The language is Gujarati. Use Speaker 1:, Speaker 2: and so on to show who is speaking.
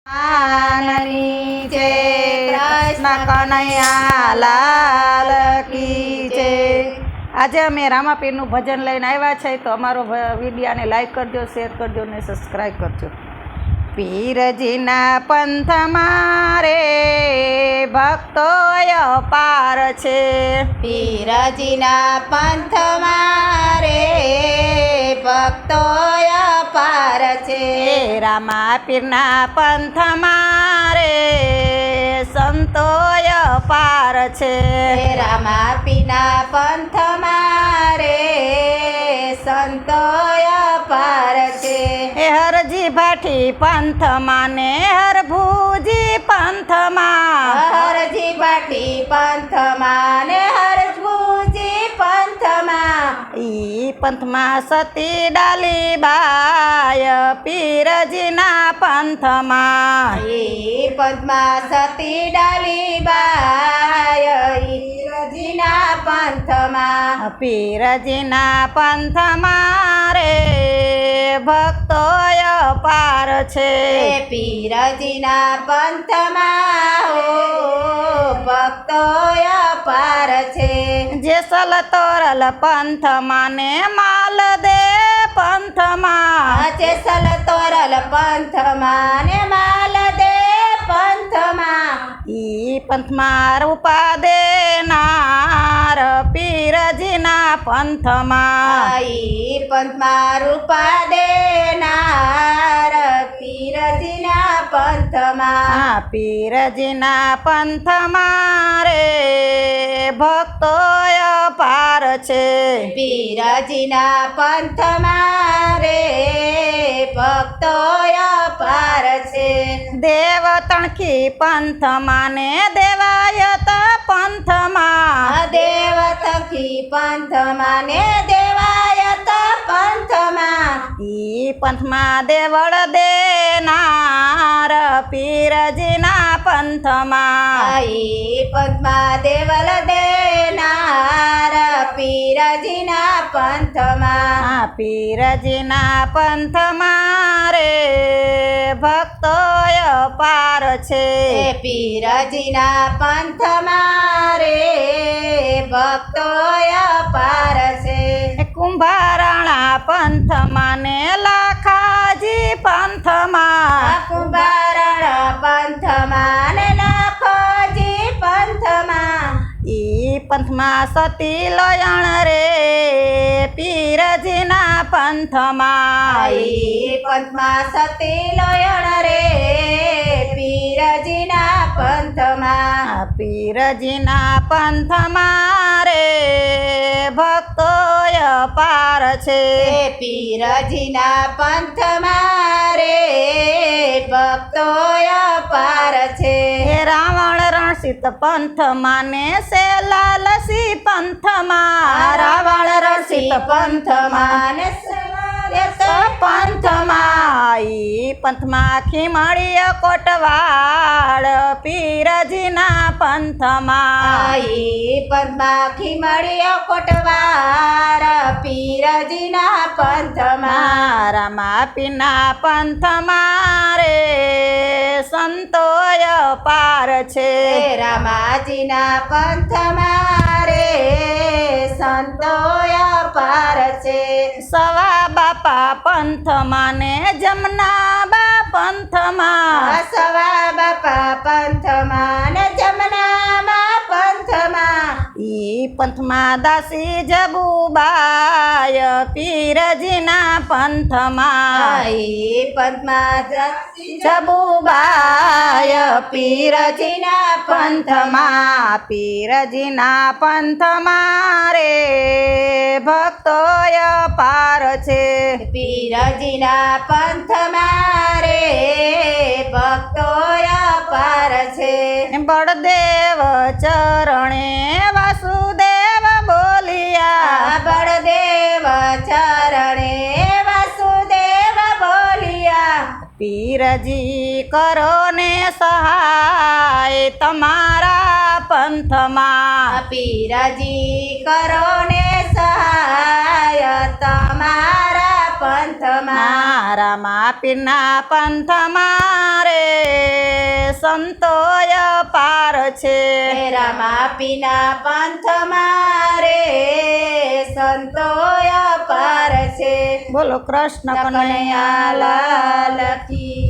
Speaker 1: આનની છે કૃષ્ણ કનૈયા લાલ કી છે। આજે અમે રામાપીરનું ભજન લઈને આવ્યા છે, તો અમારો વિડીયોને લાઈક કરજો, શેર કરજો ને સબસ્ક્રાઈબ કરજો। પીરજીના પંથમાં રે ભક્તો અપાર છે,
Speaker 2: પીરજીના પંથમાં રે ભક્તો અપાર છે।
Speaker 1: રામાપીરના પંથમાં રે સંતો અપાર છે,
Speaker 2: રામાપીરના પંથમાં રે સંતો અપાર છે।
Speaker 1: હરજી ભાઠી પંથમાં ને હરભુજી પંથમાં,
Speaker 2: હરજી ભાઠી પંથમાં ને હરભુજી પંથમાં,
Speaker 1: ઈ પંથમાં સતી ડાલી બાય પીરજીના પંથમાં,
Speaker 2: ઈ પંથમાં સતી ડાલી બાય પીરજીના પંથમાં,
Speaker 1: પીરજીના પંથમાં રે ભક્તો અપાર છે,
Speaker 2: પીરજીના પંથમાં હો ભક્તો અપાર છે।
Speaker 1: જેસલ તોરલ પંથમાં ને માલદે પંથમાં,
Speaker 2: જેસલ તોરલ પંથમાં ને માલદે પંથમાં,
Speaker 1: ઈ પંથમાં રૂપા દેનાર પીરજીના પંથમાં,
Speaker 2: ઈ પંથમાં રૂપા દેનાર પીરજીના પંથમાં,
Speaker 1: પીરજીના પંથમાં રે ભક્તો અપાર છે,
Speaker 2: પીરજીના પંથમાં રે ભક્તો અપાર છે।
Speaker 1: દેવ તણખી પંથમાં ને દેવાયત પંથમાં,
Speaker 2: દેવ તખી પંથમાં ને દેવાયત પંથમાં,
Speaker 1: ઈ પંથમાં દેવળ દેનાર પીરજીના પંથમાં,
Speaker 2: ઈ પંથમાં દેવલ દેનાર પીરજીના પંથમાં,
Speaker 1: પીરજીના પંથમાં રે ભક્તો અપાર છે,
Speaker 2: પીરજીના પંથમાં રે ભક્તો અપાર છે।
Speaker 1: કુંભારાણા પંથમાં ને લાખાજી પંથમાં,
Speaker 2: કુંભારણ પંથમાં ને લાખોજી પંથમાં,
Speaker 1: ઈ પંથમાં સતી લોયણ રે પીરજીના પંથમાં,
Speaker 2: ઈ પંથમાં સતી લોયણ રે પીરજીના પંથમાં,
Speaker 1: પીરજીના પંથમાં રે ભક્તો અપાર છે,
Speaker 2: પીરજીના પંથમાં રે ભક્તો અપાર છે।
Speaker 1: રાવણ રણસીત પંથમાં ને સેલાલસી પંથમાં,
Speaker 2: રાવણ રણસીત પંથમાં ને
Speaker 1: પંથમાં, ઈ પંથમાં ખીમળીય કોટવાડ પીરજીના પંથમાં,
Speaker 2: ઈ પંથમાં ખીમળીય કોટવાર પીરજીના પંથમાં,
Speaker 1: રામાપીરના પંથમાં રે સંતો અપાર છે,
Speaker 2: રામાજીના પંથમાં રે સંતો અપાર છે।
Speaker 1: સવા બાપા પંથમાં ને જમનાબા પંથમાં,
Speaker 2: સવા બાપા પંથમાં ને જમનાબા પંથમાં,
Speaker 1: ઈ પંથમાં દાસી જબુબાય પીરજીના પંથમાં,
Speaker 2: ઈ પંથમાં
Speaker 1: જબુબાય
Speaker 2: પીરજીના પંથમાં,
Speaker 1: પીરજીના પંથમાં રે ભક્તો અપાર છે,
Speaker 2: પીરજીના પંથમાં રે ભક્તો અપાર છે।
Speaker 1: બળદેવ ચરણે વાસુદેવ બોલિયા,
Speaker 2: બળદેવ ચરણે વાસુદેવ બોલિયા,
Speaker 1: પીરજી કરો ને સહાય તમારા પંથમાં,
Speaker 2: પીરજી કરો ને સહાય તમારા પંથમાં,
Speaker 1: રામાપીરના પંથમાં રે સંતોય પાર છે
Speaker 2: રામાપીના પંથમાં રે સંતોય પાર છે
Speaker 1: બોલો કૃષ્ણ કનૈયા લાલ
Speaker 2: લાલ કી